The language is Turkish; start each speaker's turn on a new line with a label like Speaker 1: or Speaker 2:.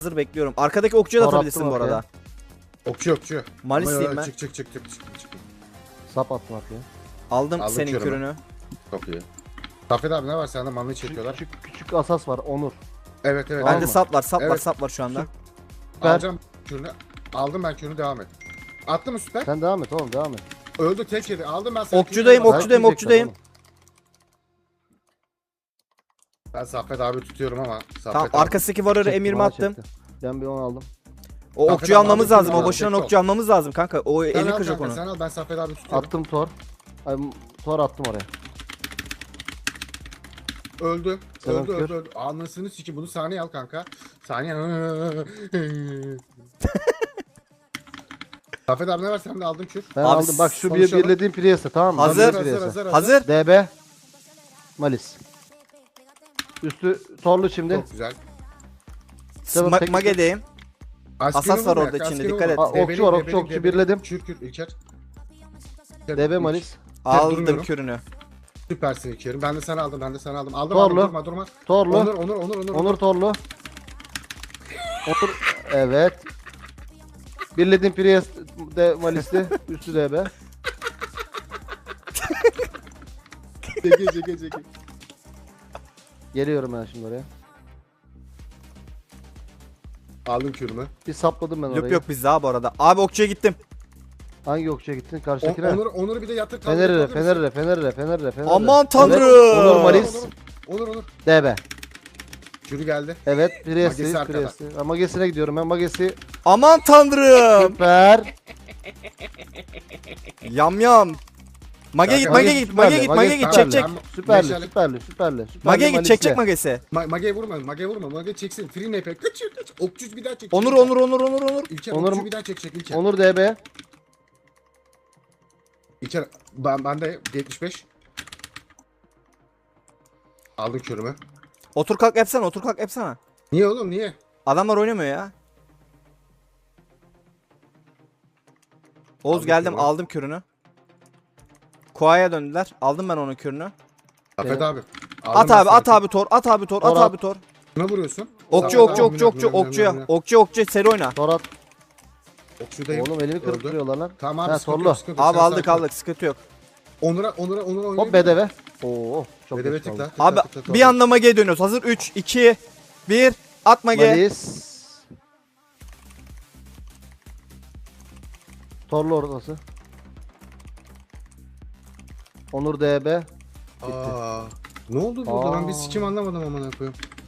Speaker 1: Hazır bekliyorum. Arkadaki okçuya da
Speaker 2: Tor
Speaker 1: atabilirsin
Speaker 2: attım
Speaker 1: bu arada.
Speaker 3: Okçu.
Speaker 1: Malisliyim ben.
Speaker 3: Çık.
Speaker 2: Sap attım arkaya.
Speaker 1: Aldım
Speaker 3: Aldım
Speaker 1: senin
Speaker 3: kürümü.
Speaker 1: kürünü.
Speaker 3: Çok iyi. Safet abi ne var sende manlayı çekiyorlar.
Speaker 2: Küçük asas var Onur.
Speaker 3: Evet.
Speaker 2: Tamam
Speaker 1: Bende
Speaker 2: mı?
Speaker 1: sap var,
Speaker 3: Evet.
Speaker 1: sap var şu anda.
Speaker 2: Süper.
Speaker 3: Alacağım kürünü. Aldım ben kürünü devam et. Attı mı süper?
Speaker 2: Sen devam et oğlum devam et.
Speaker 3: Öldü tek yedi. Aldım ben seni.
Speaker 1: Okçudayım,
Speaker 3: kürünü.
Speaker 1: okçudayım,
Speaker 2: Dayak
Speaker 1: okçudayım.
Speaker 2: yiyecekler
Speaker 3: Ben Safet abi tutuyorum ama.
Speaker 1: Tamam,
Speaker 3: Safet abi.
Speaker 1: arkasındaki vararı
Speaker 2: oğlum.
Speaker 1: emirimi
Speaker 2: Bana
Speaker 1: attım.
Speaker 2: çekti. Ben bir 10 aldım.
Speaker 1: O
Speaker 3: Kanka,
Speaker 1: okçuyu
Speaker 3: tamam,
Speaker 1: almamız
Speaker 3: aldım,
Speaker 1: lazım. O
Speaker 3: aldım,
Speaker 1: boşuna
Speaker 3: tek
Speaker 1: okçu almamız lazım kanka. O
Speaker 3: Sen
Speaker 1: eli
Speaker 3: al
Speaker 1: kıracak
Speaker 3: kanka,
Speaker 1: onu.
Speaker 3: Sen al ben Safet abi tutuyorum.
Speaker 2: Attım tor. Ay, tor attım oraya.
Speaker 3: Öldü.
Speaker 2: Tamam, kür.
Speaker 3: Öldü. Anlasını siki bunu saniye al kanka. Saniye. Safet abi ne var sende aldın kür.
Speaker 2: Ben
Speaker 1: Abi,
Speaker 2: aldım. Bak şu
Speaker 3: konuşalım.
Speaker 2: birlediğim Priest'e tamam mı?
Speaker 1: Hazır.
Speaker 2: Priest'e.
Speaker 1: Hazır.
Speaker 2: DB. Malis. Üstü torlu şimdi.
Speaker 3: Çok güzel.
Speaker 2: Tamam, tek-
Speaker 1: Mage'deyim.
Speaker 3: Askeri
Speaker 1: Asas var
Speaker 3: vurma,
Speaker 1: orada
Speaker 3: askeri
Speaker 1: içinde,
Speaker 3: vurma.
Speaker 1: dikkat et.
Speaker 2: Aa, okçu var, okçu birledim.
Speaker 3: Kür İlker.
Speaker 2: DB Malis.
Speaker 1: Aldım
Speaker 3: durmuyorum.
Speaker 1: kürünü.
Speaker 3: Süpersin İlker'im. Ben de sana aldım. Aldım
Speaker 2: Torlu.
Speaker 3: durma.
Speaker 2: Torlu.
Speaker 3: Onur.
Speaker 2: Torlu. Onur. Evet. Birledim Priest de Malis'ti. Üstü DB.
Speaker 3: Çeki.
Speaker 2: Geliyorum ben şimdi oraya.
Speaker 3: Aldım kürümü.
Speaker 2: Bir sapladım ben orayı.
Speaker 1: Yok biz daha bu arada. Abi okçuya gittim.
Speaker 2: Hangi okçuya gittin? Karşıdakine.
Speaker 3: Onur'u bir de yatır.
Speaker 2: Fener'e.
Speaker 1: Aman tanrım.
Speaker 2: Evet, Onur Malis.
Speaker 3: Onur.
Speaker 2: DB.
Speaker 3: Kürü geldi.
Speaker 2: Evet,
Speaker 3: Magesi arkada.
Speaker 2: Priest'i. Magesine gidiyorum ben. Magesi
Speaker 1: Aman tanrım.
Speaker 2: süper.
Speaker 1: Yam. Mage git,
Speaker 3: Kanka,
Speaker 1: Mage git, Mage git, Mage git, çek çek.
Speaker 2: Süperli.
Speaker 1: Mage git, çek Mage'si.
Speaker 3: Mage'ye vurma. Mage çeksin. Free NP. Kaç. Okçu bir daha çek.
Speaker 1: Onur.
Speaker 3: İlker
Speaker 2: Onur-
Speaker 3: okçu bir daha çekecek İlker.
Speaker 2: Onur DB.
Speaker 3: İlker ben de 75. Aldım kürümü.
Speaker 1: Otur kalk yapsana.
Speaker 3: Niye oğlum niye?
Speaker 1: Adamlar oynamıyor ya. Oğuz
Speaker 3: Aldım
Speaker 1: geldim,
Speaker 3: kürünü.
Speaker 1: aldım kürünü. Koa'ya döndüler. Aldım ben onun kürünü.
Speaker 3: Safet
Speaker 2: Evet.
Speaker 3: abi.
Speaker 1: At abi tor, at abi tor.
Speaker 3: Kime vuruyorsun?
Speaker 1: Okçu,
Speaker 3: Safet abi,
Speaker 1: okçuya. Seri oyna.
Speaker 2: Torat.
Speaker 3: Okçudayım.
Speaker 2: Oğlum elimi kırıp
Speaker 3: Öldü.
Speaker 2: duruyorlar lan.
Speaker 3: Tamam
Speaker 2: Ha,
Speaker 3: abi sıkıntı
Speaker 2: torlu.
Speaker 3: yok, sıkıntı yok.
Speaker 1: Abi
Speaker 3: Sen
Speaker 1: aldık
Speaker 3: sakin ol.
Speaker 1: sıkıntı yok.
Speaker 3: Onur'a oynayayım.
Speaker 2: Hop BDV. Oo çok
Speaker 3: BDV
Speaker 2: geç
Speaker 3: tıkla.
Speaker 2: kaldım.
Speaker 1: Abi bir anda Mage'ye dönüyoruz. Hazır 3, 2, 1. At Mage.
Speaker 2: Malis. Torlu ortası. Onur DB.
Speaker 3: Aa, ne oldu burada? Ben bir sikim anlamadım amına koyayım.